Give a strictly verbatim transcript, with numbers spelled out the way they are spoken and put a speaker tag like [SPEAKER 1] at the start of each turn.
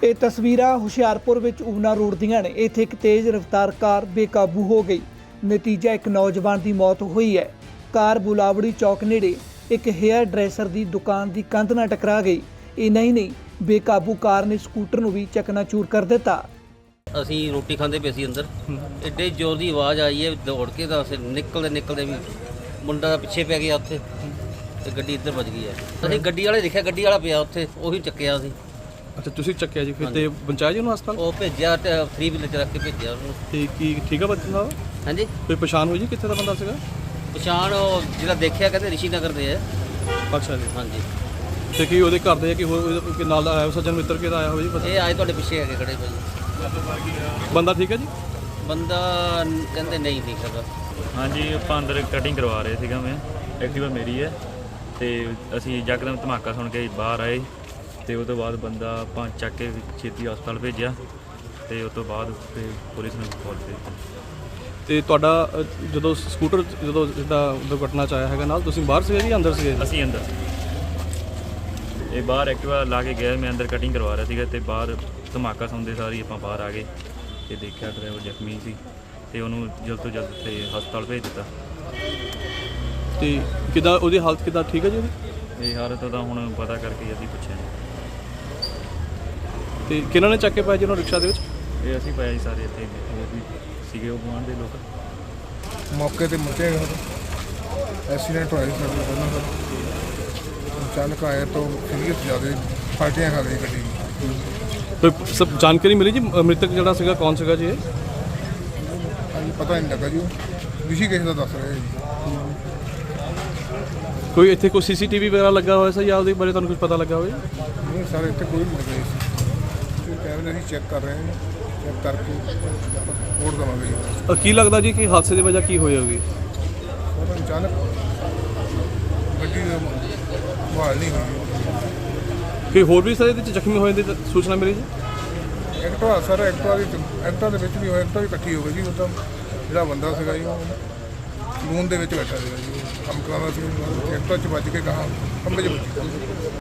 [SPEAKER 1] ਇਹ ਤਸਵੀਰਾਂ ਹੁਸ਼ਿਆਰਪੁਰ ਵਿੱਚ ਊਨਾ ਰੋਡ ਦੀਆਂ ਨੇ। ਇੱਥੇ ਇੱਕ ਤੇਜ਼ ਰਫ਼ਤਾਰ ਕਾਰ ਬੇਕਾਬੂ ਹੋ ਗਈ। ਨਤੀਜਾ ਇੱਕ ਨੌਜਵਾਨ ਦੀ ਮੌਤ ਹੋਈ ਹੈ। ਕਾਰ ਬੁਲਾਵੜੀ ਚੌਕ ਨੇੜੇ ਇੱਕ ਹੇਅਰ ਡਰੈਸਰ ਦੀ ਦੁਕਾਨ ਦੀ ਕੰਧ ਨਾਲ ਟਕਰਾ ਗਈ। ਇੰਨਾ ਹੀ ਨਹੀਂ, ਬੇਕਾਬੂ ਕਾਰ ਨੇ ਸਕੂਟਰ ਨੂੰ ਵੀ ਚਕਨਾਚੂਰ ਕਰ ਦਿੱਤਾ।
[SPEAKER 2] ਅਸੀਂ ਰੋਟੀ ਖਾਂਦੇ ਪਏ ਸੀ ਅੰਦਰ, ਐਡੇ ਜ਼ੋਰ ਦੀ ਆਵਾਜ਼ ਆਈ ਹੈ, ਦੌੜ ਕੇ ਤਾਂ ਅਸੀਂ ਨਿਕਲਦੇ ਨਿਕਲਦੇ ਵੀ ਮੁੰਡਾ ਪਿੱਛੇ ਪੈ ਗਿਆ ਉੱਥੇ ਤੇ ਗੱਡੀ ਇੱਧਰ ਵੱਜ ਗਈ ਹੈ। ਅਸੀਂ ਗੱਡੀ ਵਾਲੇ ਦੇਖਿਆ, ਗੱਡੀ ਵਾਲਾ ਪਿਆ ਉੱਥੇ, ਉਹੀ ਚੱਕਿਆ ਸੀ।
[SPEAKER 3] ਅੱਛਾ, ਤੁਸੀਂ ਚੱਕਿਆ ਜੀ? ਫਿਰ ਤੇ ਪਹੁੰਚਾਇਆ ਜੀ ਉਹਨੂੰ ਹਸਪਤਾਲ?
[SPEAKER 2] ਉਹ ਭੇਜਿਆ ਤੇ ਥਰੀ ਵੀਲਰ 'ਚ ਰੱਖ ਕੇ ਭੇਜਿਆ ਉਹਨੂੰ।
[SPEAKER 3] ਤੇ ਕੀ ਠੀਕ ਆ ਬੱਚਾ?
[SPEAKER 2] ਹਾਂਜੀ,
[SPEAKER 3] ਕੋਈ ਪਛਾਣ ਹੋਈ ਜੀ ਕਿੱਥੇ ਦਾ ਬੰਦਾ ਸੀਗਾ?
[SPEAKER 2] ਪਛਾਣ ਉਹ ਜਿਹੜਾ ਦੇਖਿਆ ਕਹਿੰਦੇ ਰਿਸ਼ੀ ਨਗਰ ਦੇ ਹੈ।
[SPEAKER 3] ਅੱਛਾ ਜੀ।
[SPEAKER 2] ਹਾਂਜੀ,
[SPEAKER 3] ਤੇ ਕੀ ਉਹਦੇ ਘਰ ਦੇ ਕਿ ਹੋਰ ਕੋਈ ਨਾਲ ਆਇਆ ਸੱਜਣ ਮਿੱਤਰ ਕਿਹਦਾ ਆਇਆ ਹੋਇਆ ਜੀ?
[SPEAKER 2] ਇਹ ਆਏ ਤੁਹਾਡੇ ਪਿੱਛੇ ਹੈਗੇ ਖੜੇ ਭਾਈ।
[SPEAKER 3] ਬੰਦਾ ਠੀਕ ਹੈ ਜੀ?
[SPEAKER 2] ਬੰਦਾ ਕਹਿੰਦੇ ਨਹੀਂ ਠੀਕ ਹੈਗਾ।
[SPEAKER 4] ਹਾਂਜੀ, ਆਪਾਂ ਅੰਦਰ ਕਟਿੰਗ ਕਰਵਾ ਰਹੇ ਸੀਗਾ। ਮੈਂ ਐਕਟਿਵਾ ਮੇਰੀ ਹੈ ਤੇ ਅਸੀਂ ਯਕਦਮ ਧਮਾਕਾ ਸੁਣ ਕੇ ਬਾਹਰ ਆਏ ਤੇ ਉਸ ਤੋਂ ਬਾਅਦ ਬੰਦਾ ਆਪਾਂ ਚੱਕ ਕੇ ਛੇਤੀ ਹਸਪਤਾਲ ਭੇਜਿਆ ਤੇ ਉਸ ਤੋਂ ਬਾਅਦ ਫਿਰ ਪੁਲਿਸ ਨੂੰ ਕਾਲ ਕੀਤੀ।
[SPEAKER 3] ਤੇ ਤੁਹਾਡਾ ਅ, ਜਦੋਂ ਸਕੂਟਰ ਜਦੋਂ ਜਿੱਦਾਂ ਦੁਰਘਟਨਾ 'ਚ ਆਇਆ ਹੈਗਾ ਨਾਲ, ਤੁਸੀਂ ਬਾਹਰ ਸੀਗੇ ਜੀ ਅੰਦਰ ਸੀਗੇ?
[SPEAKER 4] ਅਸੀਂ ਅੰਦਰ ਸੀ। ਇਹ ਬਾਹਰ ਐਕਟਿਵਾ ਲਾ ਕੇ ਗਿਆ, ਮੈਂ ਅੰਦਰ ਕਟਿੰਗ ਕਰਵਾ ਰਿਹਾ ਸੀਗਾ ਤੇ ਬਾਹਰ ਧਮਾਕਾ ਸੁਣਦੇ ਸਾਰੀ ਆਪਾਂ ਬਾਹਰ ਆ ਗਏ ਤੇ ਦੇਖਿਆ ਡਰਾਈਵਰ ਜ਼ਖਮੀ ਸੀ ਤੇ ਉਹਨੂੰ ਜਲਦ ਤੋਂ ਜਲਦ ਤੇ ਹਸਪਤਾਲ ਭੇਜ ਦਿੱਤਾ।
[SPEAKER 3] ਤੇ ਕਿੱਦਾਂ ਉਹਦੀ ਹਾਲਤ ਕਿੱਦਾਂ ਠੀਕ ਹੈ ਜੀ ਉਹਦੀ?
[SPEAKER 4] ਇਹ ਹਾਲਤ ਦਾ ਹੁਣ ਪਤਾ ਕਰਕੇ ਅਸੀਂ ਪੁੱਛਿਆ ਜੀ।
[SPEAKER 3] ਤੇ ਕਿਹਨਾਂ ਨੇ ਚੱਕ ਕੇ ਪਾਇਆ ਜੀ ਉਹਨੂੰ ਰਿਕਸ਼ਾ ਦੇ ਵਿੱਚ?
[SPEAKER 4] ਇਹ ਅਸੀਂ ਪਾਇਆ ਜੀ ਸਾਰੇ ਇੱਥੇ ਹੋਰ ਵੀ ਸੀਗੇ ਉਹ ਗੁਆਂਢ ਦੇ ਲੋਕ।
[SPEAKER 5] ਮੌਕੇ ਤੇ ਮੁੱਕੇ ਐਕਸੀਡੈਂਟ ਹੋਇਆ ਸੀ ਸਾਡੇ ਪਹਿਲਾਂ ਸਰ। ਅਚਾਨਕ ਆਇਆ ਤਾਂ ਸੀਰੀਅਸ ਜ਼ਿਆਦਾ ਫਾਟੀਆਂ ਖਾ ਗਈ ਗੱਡੀ।
[SPEAKER 3] ਕੋਈ ਸਭ ਜਾਣਕਾਰੀ ਮਿਲੀ ਜੀ ਮ੍ਰਿਤਕ ਜਿਹੜਾ ਸੀਗਾ ਕੌਣ ਸੀਗਾ ਜੀ? ਇਹ
[SPEAKER 5] ਹਾਂਜੀ, ਪਤਾ ਨਹੀਂ ਲੱਗਾ ਜੀ। ਰਿਸ਼ੀ ਕਿਸੇ ਦਾ ਦੱਸ ਰਿਹਾ ਜੀ।
[SPEAKER 3] ਕੋਈ ਇੱਥੇ ਕੋਈ ਸੀਸੀਟੀਵੀ ਵਗੈਰਾ ਲੱਗਾ ਹੋਇਆ ਸੀ ਜਾਂ ਉਹਦੇ ਬਾਰੇ ਤੁਹਾਨੂੰ ਕੁਝ ਪਤਾ ਲੱਗਾ ਹੋਵੇ?
[SPEAKER 5] ਨਹੀਂ ਸਰ, ਇੱਥੇ ਕੋਈ ਨਹੀਂ ਲੱਗਾ ਸੀ। ਕੈਮਰੇ ਅਸੀਂ ਚੈੱਕ ਕਰ ਰਹੇ ਹਾਂ, ਚੈੱਕ ਕਰਕੇ ਰਿਪੋਰਟ ਦੇਵਾਂਗੇ ਜੀ।
[SPEAKER 3] ਅ, ਕੀ ਲੱਗਦਾ ਜੀ ਕਿ ਹਾਦਸੇ ਦੀ ਵਜ੍ਹਾ ਕੀ ਹੋਈ ਹੋਗੀ?
[SPEAKER 5] ਸਰ ਅਚਾਨਕ ਗੱਡੀ ਬਹਾਲ ਨਹੀਂ ਹੋਈ।
[SPEAKER 3] ਕੋਈ ਹੋਰ ਵੀ ਸਾਰੇ ਇਹਦੇ ਵਿੱਚ ਜ਼ਖਮੀ ਹੋਏ ਦੀ ਤਾਂ ਸੂਚਨਾ ਮਿਲੀ ਜੀ?
[SPEAKER 5] ਐਕਟਵਾ ਸਰ ਐਕਟਵਾ ਦੀ ਐਕਟਵਾ ਦੇ ਵਿੱਚ ਵੀ ਹੋਇਆ, ਐਕਟਵਾ ਵੀ ਇਕੱਠੀ ਹੋ ਗਈ ਜੀ। ਉਹਦਾ ਜਿਹੜਾ ਬੰਦਾ ਸੀਗਾ ਜੀ ਉਹ ਸਲੂਨ ਦੇ ਵਿੱਚ ਬੈਠਾ ਸੀਗਾ ਜੀ, ਕੰਮ ਕਰਾਉਣਾ ਸੀ। ਐਕਟਵਾ 'ਚ ਵੱਜ ਕੇ ਕਹਾ ਖੰਭੇ 'ਚ ਵੱਜੀ।